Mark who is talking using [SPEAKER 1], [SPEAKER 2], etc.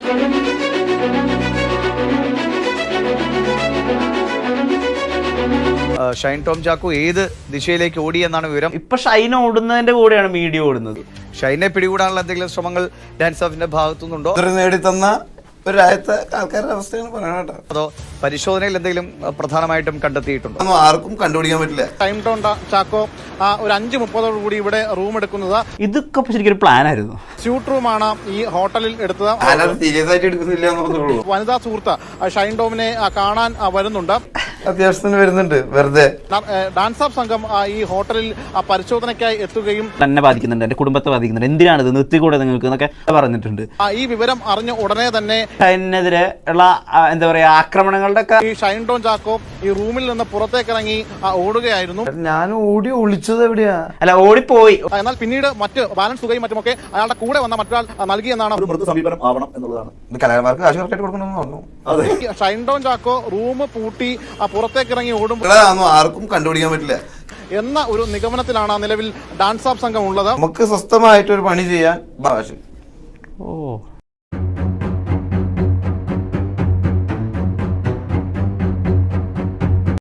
[SPEAKER 1] Shine Tom Chacko ഏത് ദിശയിലേക്ക് ഓടി എന്നാണ് വിവരം.
[SPEAKER 2] ഇപ്പൊ ഷൈൻ ഓടുന്നതിന്റെ കൂടെയാണ് മീഡിയ ഓടുന്നത്.
[SPEAKER 1] ഷൈനെ പിടികൂടാനുള്ള എന്തെങ്കിലും ശ്രമങ്ങൾ ഡാൻസ് ഓഫിന്റെ ഭാഗത്തുനിന്നുണ്ടോ?
[SPEAKER 3] നേടിത്തന്ന ഒരു രാജ്യത്തെ ആൾക്കാരുടെ അവസ്ഥയാണ് പറയണ.
[SPEAKER 1] അതോ പരിശോധനയിൽ എന്തെങ്കിലും പ്രധാനമായിട്ടും കണ്ടെത്തിയിട്ടുണ്ടോ?
[SPEAKER 3] ആർക്കും കണ്ടുപിടിക്കാൻ പറ്റില്ല.
[SPEAKER 4] ഷൈൻ ടോം ചാക്കോ ഒരു 5:30 കൂടി ഇവിടെ റൂം എടുക്കുന്നത്.
[SPEAKER 2] ഇതൊക്കെ ശരിക്കും ഒരു പ്ലാൻ ആയിരുന്നു.
[SPEAKER 4] സ്യൂട്ട് റൂമാണ് ഈ ഹോട്ടലിൽ എടുത്തത്.
[SPEAKER 3] സീരിയസ് ആയിട്ട് എടുക്കുന്നില്ല.
[SPEAKER 4] വനിതാ സുഹൃത്ത് ഷൈൻ ടോമിനെ കാണാൻ വരുന്നുണ്ട്.
[SPEAKER 3] അത്യാവശ്യത്തിന് വരുന്നുണ്ട്. വെറുതെ
[SPEAKER 4] ഡാൻസ് ഓഫ് സംഘം ഈ ഹോട്ടലിൽ പരിശോധനയ്ക്കായി എത്തുകയും
[SPEAKER 2] തന്നെ ബാധിക്കുന്നുണ്ട്, എന്റെ കുടുംബത്തെ ബാധിക്കുന്നുണ്ട്, എന്തിനാണിത് നിർത്തിക്കൂടെ നിങ്ങൾക്ക് എന്നൊക്കെ പറഞ്ഞിട്ടുണ്ട്.
[SPEAKER 4] ഈ വിവരം അറിഞ്ഞ ഉടനെ തന്നെ
[SPEAKER 2] ഷൈനെതിരെ ഉള്ള എന്താ പറയാ ആക്രമണങ്ങളുടെ ഒക്കെ
[SPEAKER 4] ഈ ഷൈൻ ടോം ചാക്കോ ഈ റൂമിൽ നിന്ന് പുറത്തേക്ക് ഇറങ്ങി ഓടുകയായിരുന്നു.
[SPEAKER 3] ഞാൻ ഓടി ഒളിച്ചത് എവിടെയാ?
[SPEAKER 2] അല്ല, ഓടിപ്പോയി.
[SPEAKER 4] എന്നാൽ പിന്നീട് മറ്റ് ബാലൻസ് തുകയും മറ്റുമൊക്കെ അയാളുടെ കൂടെ വന്ന മറ്റൊരാൾ നൽകിയെന്നാണ്
[SPEAKER 5] സമീപനം ആവണം എന്നുള്ളതാണ്.
[SPEAKER 3] കലാകാരന്മാർക്ക് കാശ് കറക്റ്റായിട്ട് കൊടുക്കണമെന്ന് പറഞ്ഞു.
[SPEAKER 4] ഷൈൻ ടോം ചാക്കോ റൂം പൂട്ടി പുറത്തേക്ക് ഇറങ്ങി ഓടുമ്പോൾ
[SPEAKER 3] ആർക്കും കണ്ടുപിടിക്കാൻ പറ്റില്ല
[SPEAKER 4] എന്ന ഒരു നിഗമനത്തിലാണ് നിലവിൽ ഡാൻസ് ഓഫ് സംഘം ഉള്ളത്.
[SPEAKER 3] നമുക്ക് സ്വസ്ഥമായിട്ടൊരു പണി ചെയ്യാൻ.
[SPEAKER 2] ഓ